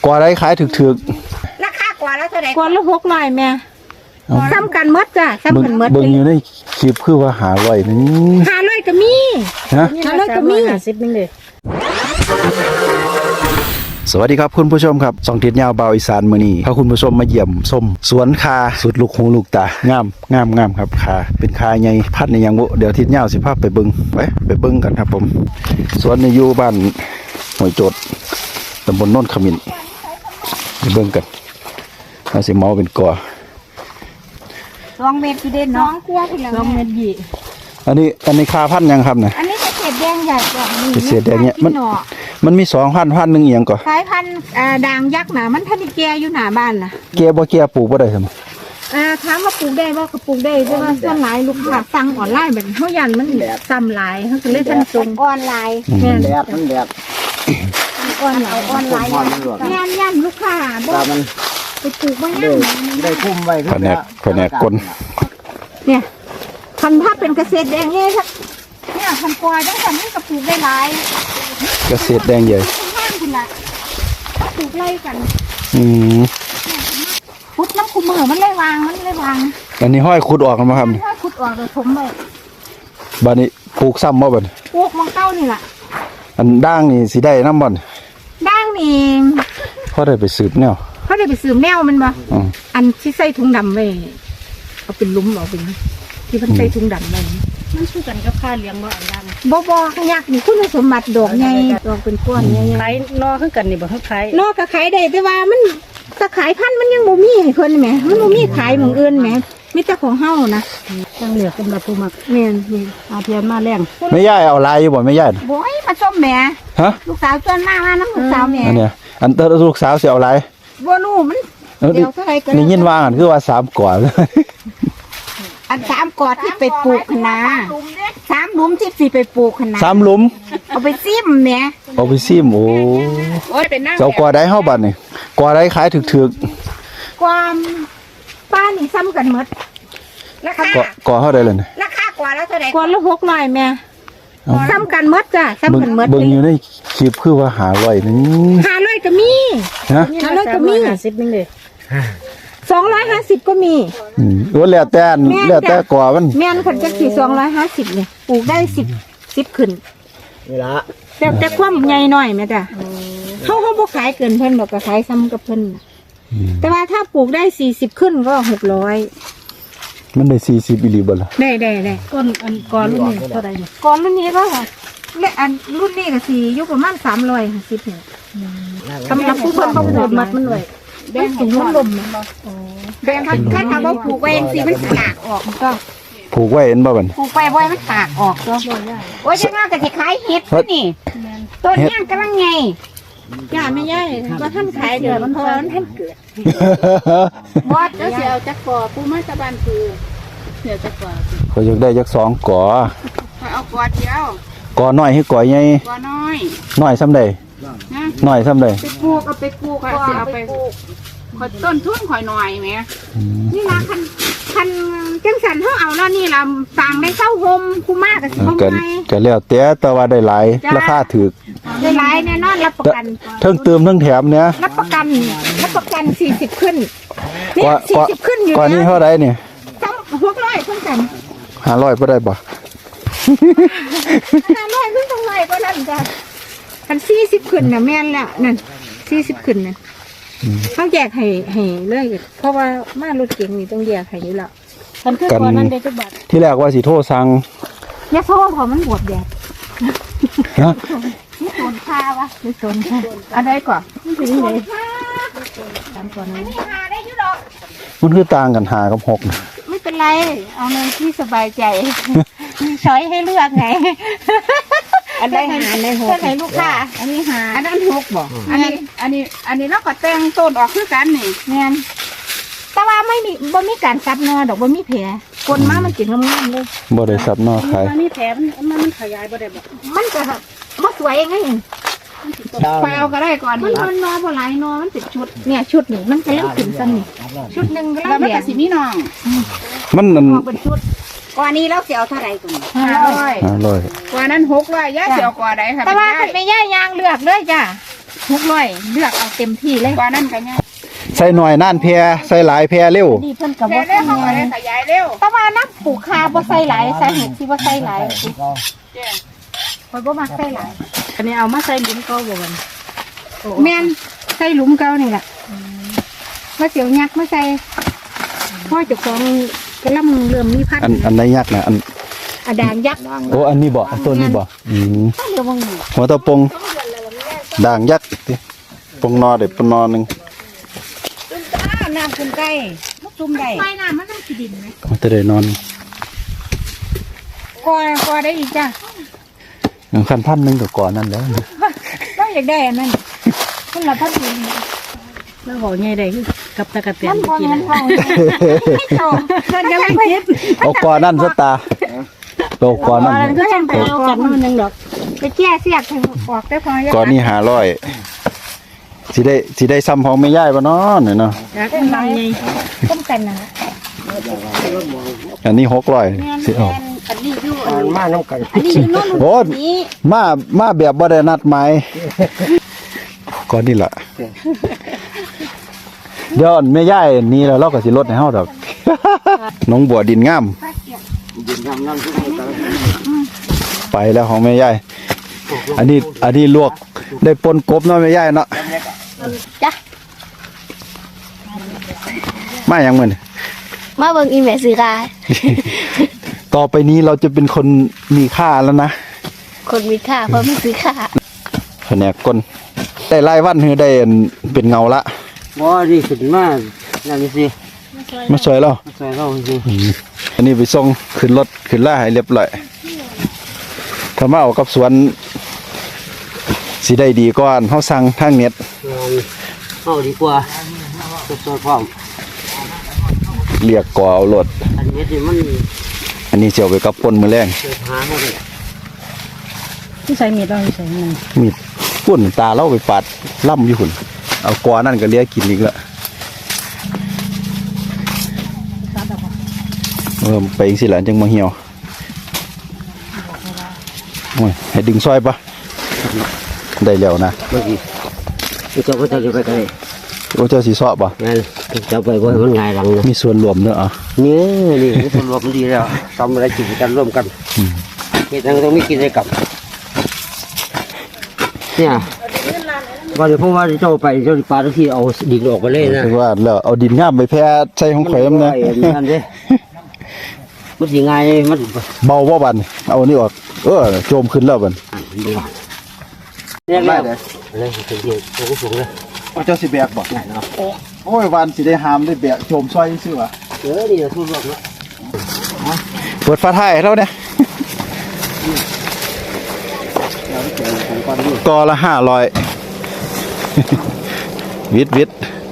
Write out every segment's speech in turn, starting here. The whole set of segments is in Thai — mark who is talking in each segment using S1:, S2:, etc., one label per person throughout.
S1: กว่าได้ขายถึก
S2: ราคากว่าแล้วเท่าไหร่
S3: กว่าละ600แม่ซ้ำกันหมดจ้ะซ้ำกันหมด
S1: เบิ่งอยู่ในคลิปคือว่าหาไว้นี่
S3: 500ก็มี
S1: ฮะ
S3: 500ก็มี
S2: 50นึงเด้
S1: สวัสดีครับคุณผู้ชมครับสองทิศยาวเบาอีสานมื้อนี้พาคุณผู้ชมมาเยี่ยมชมสวนคาสุดลูกหูลูกตางามครับคาเป็นคาใหญ่พัดในยังบ่เดี๋ยวทิศยาวสิพาไปเบิ่งไปเบิ่งกันครับผมสวนนี้อยู่บ้านห้วยโจดตำบลโนนขมิ้นไปเบิ่งกันเอาสิเมาเป็นก่อ
S2: 2 เมตรที่เด่นเนาะ2กว่าพุ่นแล้ว2 เมตรยี่
S1: อันนี้คาพันยังครับเนี่ย
S2: อันนี้เกษตรแดงใหญ่กว่า
S1: เกษตรแดงเนี่ยมันมี2,000นึงเอียงก่อ
S3: สายพันธุ์ด่างยักษ์น่ะมันทันได้แก่อยู่หน้าบ้านน่ะ
S1: แก่บ่แก่ปลูกบ่ได้ซั่น
S3: ถามว่าปลูกได้บ่ก็ปลูกได้แต่ว่าส่วนหลายลูกค้าสั่งออนไลน์แบบเฮายันมันซ้ำหลายเฮาก็เลยทันส่ง
S2: ออนไลน์
S3: แม่น
S4: มันแดด
S2: ออนไลน์ย่ำลูกค้าบ่ไปปลูกบ่ย่ำ
S4: ได้คุ้มไว้
S1: แผนกกล
S3: เนี่ยพันธุ์ถ้าเป็นเกษตรแดงเนี่ย
S2: พันกว่าจังซั่นมันก็ปลูกได้หลาย
S1: เกษตรแดงใหญ่
S2: ข้างพุ่นล่ะปลูกไร่กันพุดน้ำคุมมือมันเลยวาง
S1: อันนี้ห้อยขุดออกกันมั้งครับ
S2: ห้อยขุดออกเลยถมไป
S1: บ้านนี้ปลูกซ้ำบ่บ่
S2: ปลูกมังเก้านี่แหละ
S1: อันด่างนี่สิได้น้ำบ่
S3: ด่างนี่
S1: เขาได้ไปสืบแนว
S3: เขาได้ไปสืบแนวมันบ่อันที่ใส่ถุงดำไว้เอาเป็นลุ้มเอาเป็นที่มันใส่ถุงดำไว้
S2: มันคือกันกับค่าเลี้ยงบ่อันดัง
S3: บ่ยักษ์นี่คุณสมบัติดอกใหญ่ดอกเป็นก้อนใหญ่
S2: ขายนอคือกันนี่บ่เฮาขาย
S3: นอก็ขายได้แต่ว่ามันถ้าขายพันมันยังบ่มีให้เพิ่นแหมมันบ่มีขายหม้องอื่นแหมมีแต่ของเฮานะ
S2: จังเหลือสำหรับผู้มัก
S3: แม่น
S2: อาเทียนมาแรง
S1: ไม่ย่ายเอาลายอยู่บ่ไม่ย่าย
S3: บ่ยมาส้มแหม
S1: ฮะ
S3: ลูกสาวจนมากว่าน้ำลูกสาวแหม
S1: อันเนี้ยอันลูกสาวสิเอาลาย
S3: บ่รู้มันเดี๋ยวเท่าไหร่ก็
S1: นี่ยินว่ากันคือว่า3กว่า
S3: อัน3กอดที่ไปปลูกนะ3หลุมที่สิไปปลูกนะ
S1: 3หลุม
S3: เอาไปซิมแหม
S1: เอาไปซิมโอ้เจ้ากว่าได้เฮาบัดนี่กว่าได้ขายถึก
S3: ความป้านี่ซ้ำกันหมด
S2: ราคาก
S1: ว่าเท่าใดล่ะนี่
S2: ราคากว่าแล้วเท่าใด
S3: กว่าละ600แม่ซ้ำกันหมดจ้ะซ้ำกันหมด
S1: เบิ่งอยู่ในคลิปคือว่าหาไว้นี่
S3: 500ก็มี
S1: ฮะ
S3: 500ก็มี
S2: 50นึงเด้
S3: 250ก็มี
S1: ว่าแล้วแต่กว่ามัน
S3: แม่นคันจักสิ250นี่ปลูกได้10ขึ้น
S4: นี่ล่ะ
S3: แต่ความใหญ่น้อยแม่จ้ะเฮาบ่ขายเกินเพิ่นดอกก็ขายซ้ำกับเพิ่นแต่ว่าถ้าปลูกได้40ขึ้นก็600
S1: มันได้40อีหลีบ่ล่ะ
S3: ได้
S2: ก้อนรุ่นนี้เท่าใดนี่
S3: ก้อนรุ่นนี้ก็และอันรุ่นนี้ก็สิอยู่ประมาณ350นี่สำหรับผู้เพิ่นบ่ปลูกมัดมันไว้แบ่งถุงลมนะแบ่งถ้าว่าปลูกไว้สิมันตากออกมันก็
S1: ปลูกไว้เห็นบ่บัด
S3: ปลูกไปไว้มันตากออกก็โอ้ยจังว่าก็สิขายเฮ็ดนี่ต้นย่างกำลังไงย่าไม่ใหญ่ว่าท่านขายเดี๋ยวมันพอท่านเกิดบอดแล้วเสียวจักก่อปูมาตะบานคือเสียวจักก่อ
S1: เขาอยากได้จัก2ก่อ
S2: เอาก่อเดียว
S1: ก่อน้อยให้ก่อใหญ่
S2: ก่อ
S1: น้อยซ้ำใดน้อยซ้ำใด
S2: ไปปลูกค่ะสิเอาไปปลูกข่อยต้นทุนข่อยหน่อยแหม
S3: นี่ล่ะคันจังสันเฮาเอาแล้วนี่ล่ะสั่งได้เซาโฮมคุ้มมากก็สิเฮาไง
S1: ก็แล้วแต่ว่าได้หลายราคาถูก
S3: ได้หลายแน่นอนรับประกัน
S1: เทั้งเติมเทั้งแถมเนี่ย
S3: รับประกัน40ขึ้นนี่40ขึ้นอยู่
S1: กว่านี้เท่าใดนี่
S3: 600เพิ่นกัน
S1: 500บ่ได้บ่
S3: 500เพิ่นต้อง100กว่านั้นจ้ะคัน40ขึ้นน่ะแม่นแล้วนั่น40ขึ้นน่ะเขาแยกให้เลยเพราะว่ามารถเก๋งนี่ต้องแยกให้อยู่แล้ว
S2: มันคือก่อนนั้นได้จักบาท
S1: ที่แรกว่าสิโทรสั่ง
S3: อย่าโทรพอมันบวบแดด
S1: ฮะ
S3: นี่โซนค่าวะนี่โซนค่าอันใดก่อนมันเป็นยังไงตามก่อนนี้ได้อยู่ดอก
S1: มันคือต่างกัน5กับ6นะ
S3: ไม่เป็นไรเอาในที่สบายใจมีช้อยให้เลือกไง
S2: อันใดหาใน6
S3: ให้ลูกค้าอันนี้หา
S2: อันนั้น6บ่อันนี้เราก็แต่งต้นออกคือกันนี่
S3: แม่นแต่ว่าบ่มีการซับนอดอกบ่มีแผลคนมามันกินงามๆเลย
S1: บ่ได้ซับนอขาย
S2: มันมีแผลมันขยายบ่ได้บ่
S3: มันก็บ่สวยไง
S2: ไปเอาก็ได้ก่อน
S3: นี่มันนอบ่หลายนอมันเป็นชุดเนี่ยชุดนี่มันก็เริ่มขึ้นซั่นนี่ชุดนึงก็แล้ว
S2: มันก็สิมีน้อง
S1: มัน
S3: เป็นชุดกว่านี้แล้วสิเอาเท่าไหร่ก่อน
S1: 500
S2: กว่านั้น600ย่าสิเอากว่าใดค่ะ
S3: แต่ว่าคันแม่ย่ายางเลือกเลยจ้ะ 600เลือกเอาเต็มที่เลยกว่านั้นก็ยัง
S1: ใส่หน่อยน่านแพรใส่หลายแพรเร็ว
S2: นี่เพิ่นก็
S3: แค่
S2: บ่
S3: ได้
S2: ทำ
S3: เขาก็
S2: งาน
S3: ได้ขยายเร็ว
S2: แต่ว่าน้ำปลูกคาบ่ใส่หลายสาเหตุที่บ่ใส่หลายข่อยบ่มักใส่หลาย
S3: อันนี้เอามาใส่ดินก็บ่กัน
S2: แม่นใส่หลุมเก่านี่ล่ะว่าเสียวยักษ์มาใส่พ่อเจ้าของกำลังเริ่มมีพันธุ์
S1: อันไหนยักษ์นะอัน
S2: อะด่างยักษ์
S1: โอ้อันนี้บ่อันต้นนี้บ่
S2: เดี๋ยวบ่ง
S1: หัวตะปงด่างยักษ์ติปงนอเด็ดปงนอหนึง
S3: น้ำคุณไก่ลูกจุ่มได้
S2: ไฟน้ำมันต้องสิดินไหม
S1: มันจะได้นอน
S2: กอได้อีกจ้ะ
S1: คันพันหนึงก็ก่อนนั่นแล้ว
S2: เราอยากได้อันนั้นคนละพันธุ์
S3: แล้วบอกไงได้กับตะกะเตีย
S2: มัน นบ่
S3: กิน
S2: แม่นเขาไม่โตมันกำลังคิด
S1: เอาก่อนนั่นซะตาโตก่อนนั่น
S2: มันก็ยังไปเอากันมันนึงดอกไปแก้เสียกให้ออกได้พอ
S1: ก่อนนี้500สิได้ซ้ำของแม่ยายบ่เนาะเนี่ยเนาะ
S3: อยากเป็นไรไง
S2: ต้มกันนะ
S1: อันนี้600สิเอา
S3: อันนี้อยู่
S4: มาน้ำกัน
S2: อันนี้นู่น
S1: โอ้มาแบบบ่ได้นัดหมายก่อนนี่ล่ะเดี๋ยวแม่ยายนี่แล้วเราก็สิลดให้เฮาดอก น้องบัวดินงาม
S4: ดินน้ำทุกคน
S1: ไปแล้วของแม่ยายอันนี้ลวกได้ปนกบเนาะแม่ยายเนาะ
S2: จ้ะ
S1: มาหยังมื้อนี่
S2: มาเบิ่งอีเมลซื้อค่ะ
S1: ต่อไปนี้เราจะเป็นคนมีค่าแล้วนะ
S2: คนมีค่าเพราะไม่ซื้อค่า
S1: แผนกคนได้รายวันคือได้อันเป็นเงาละ
S4: บ่ดีขึ้นมานั่นนี่สิ
S1: มาสวยแล้ว
S4: สวยเราสิ
S1: อันนี้ไปส่งขึ้นรถขึ้นล่าให้เรียบร้อยถ้ามาเอากับสวนสิได้ดีก่อนเฮาสั่งทางเน็ต
S4: เอาดีกว่าสวยพร้อม
S1: เรียกก่อเอารถ
S4: อันนี้ที่มัน
S1: อันนี้สิเอาไปกับปนมื้อแรง
S4: เกิดหาเขาเลย
S3: ที่ใส่มีดเราใส่มัน
S1: มีดปุ่นตาเราไปปาดล่ำอยู่หุ่นเอาก่อนั่นก็เลียกินอีกละไปอีกสิหลานจังมาเหี่ยวโอ้ยให้ดึงซอยปะได้แล้วนะ
S4: เมื่อกี้จะไปจะไปไกล
S1: โอ้เจ้าสีซอปะ
S4: งั้นจะไปว่ามันง่ายหลังนะ
S1: มีส่วนรวมเนอะอ่ะ
S4: นี่คนรวมมันดีแล้วทำอะไรกินกันร่วมกันเหตุนั้นต้องไม่กินได้กับเนี่ยว่าเดี๋ยวเพราะว่าเจ้าไปเจ้าปลาที่เอาดินออกไปเลยนะ
S1: คือว่าแล้วเอาดินงามไปแพ้ใส่ของข่อยนะ
S4: นั่นเด้มันยังไงมัน
S1: เบาบ่บันเอาอันนี้ออกโจมขึ้นแล้วบัน
S4: เรียกได้เลยเลยถึงเดียวตัวสูงเลย
S1: เจ้าสิแบกบ่
S4: ไหนเนาะ
S1: โอ้ยวันสิได้หามได้แบกโจมซอยซื่อวะ
S4: นี่ทุกรอบแล้ว
S1: เปิดฟ้าท้ายให้เราเนี่ยกอละ500 วิท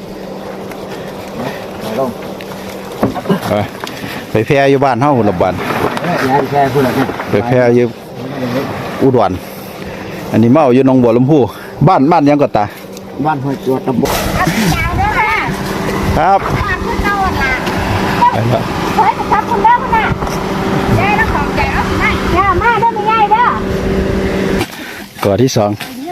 S1: ไปแพร่อยู่บ้านเฮาหุ่นละบ้าน
S4: งานแค่พูดอะไร
S1: ไปแพร่อยู่อุดรอันนี้มาเอาอยู่หนองบัวลำพูบ้านยังก็ตา
S4: บ้านห้วยตัวตำบล
S2: ยาวเด้อค่ะ
S1: ครับ
S2: ฝากคุณเจ้าล่ะ
S1: ไปแล้ว
S2: เฮ้ยทับคุณเด้อคุณน่ะยายแล้วของใจเอาสิให้ย่ามาเด้อไม่ยายเด้อ
S1: ก่อที่2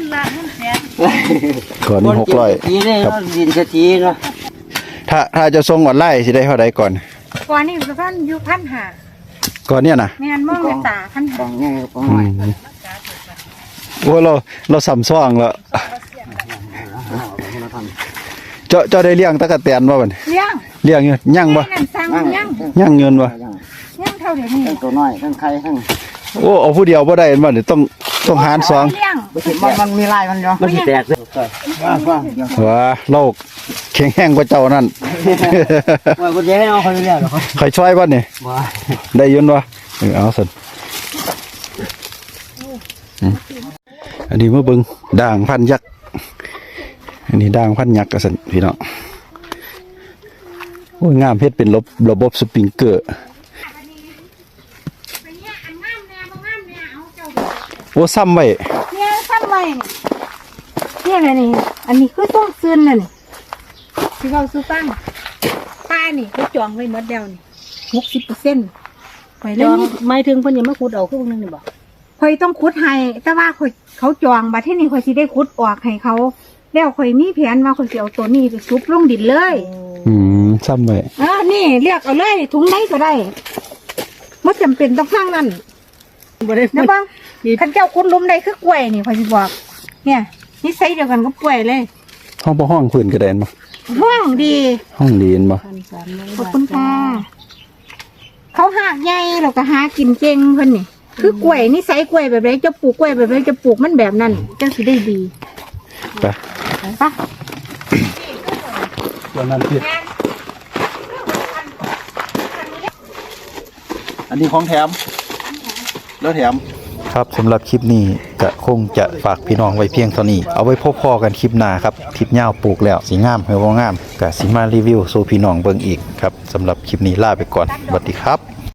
S1: ก่อนี้600
S4: ทีเลยดินทีเนาะ
S1: ถ้าจะส่งออนไลน์สิได้เท่าใดก่อน
S2: ก่อนนี้ท่านอยู่พันหา
S1: ก่อนเนี่ยนะ
S2: แม่นมองในตาพันหา
S4: ฟังง่ายฟังหน่อย
S1: โอ้เราสำซ่องแล้วเจ้าได้เลี้ยงตะกะแตนบ่บัด
S2: เลี้ยง
S1: เลี้ยงอยู่ย่างบ่
S2: นั่นสั่งยัง
S1: ย่างเงินบ่
S2: ยังเท่าเดี๋ยวนี้
S4: ทั้งตัวน้อยทั้งไข่ทั้ง
S1: โอ้เอาผู้เดียวบ่ได้บ่นี่ต้องหาร2
S2: เลี้ยง
S4: มันมีลายมันเนาะมันสิแตกเลยว่า
S1: ว่าเราแข็งแรงกว่าเจ้านั่น
S4: ว่าคนเดียวให้เอาคนเดียวหรอ
S1: ใครช่วยบ่นี่
S4: ว่า
S1: ได้ยินบ่เอาซั่นอันนี้มาเบิ่งด่างพันยักษ์อันนี้ด่างพันยักษ์ก็ซั่นพี่น้องโอ้ยงามเฮ็ดเป็นระบบสปริงเกอร์โอ้ซ้ำไว้
S2: เนี่ยซ้ำไว้เนี่ยอะไรนี่อันนี้คือต้องซื้อน่ะนี่ที่เขาซื้อตั้งป้านี่เขาจองไว้หมดแล้วนี่60%ไป
S3: จ
S2: แล้ว
S3: อง
S2: นี่
S3: ไม่ถึงเพิ่นยังมาขุดเอาคือพวกนึงนี่บ่
S2: ข่อยต้องขุดให้แต่ว่าข่อยเขาจองบัดที่นี่ข่อยสิได้ขุดออกให้เขาแล้วข่อยมีแผนว่าข่อยสิเอาตัวนี้ไปซุบลงดินเลย
S1: ซ้ำไว้
S2: นี่เลือกเอาเลยถุงไหนก็ได้ไม่จำเป็นต้องข้างนั้น
S3: บ่ได้
S2: นะบ้างขันเจ้าขุดหลุมได้คือกล้วยนี่ข่อยสิบอก เนี่ยนิสัยเดียวกันกับกล้วยเลย
S1: ห้องบ่ห้องพื้นกระแดนบ่
S2: ห้องดี
S1: ห้องดีนบ่
S2: ขอบคุณค่ะเขาหากใหญ่เราก็หากินเก่งเพิ่นนี่คือกล้วยนิสัยกล้วยแบบไรจะปลูกกล้วยแบบไรจะปลูกมันแบบนั้นจังสิได้ดี
S1: ไป
S2: ปะ
S1: ตัวนั้นผิดอันนี้ของแถมแล้วแถมครับสำหรับคลิปนี้ก็คงจะฝากพี่น้องไว้เพียงเท่านี้เอาไว้พบพอกันคลิปหน้าครับทิศยาวปลูกแล้วสีงามหรือบ่งามก็สิมารีวิวสู่พี่น้องเบิ่งอีกครับสำหรับคลิปนี้ลาไปก่อนสวัสดีครับ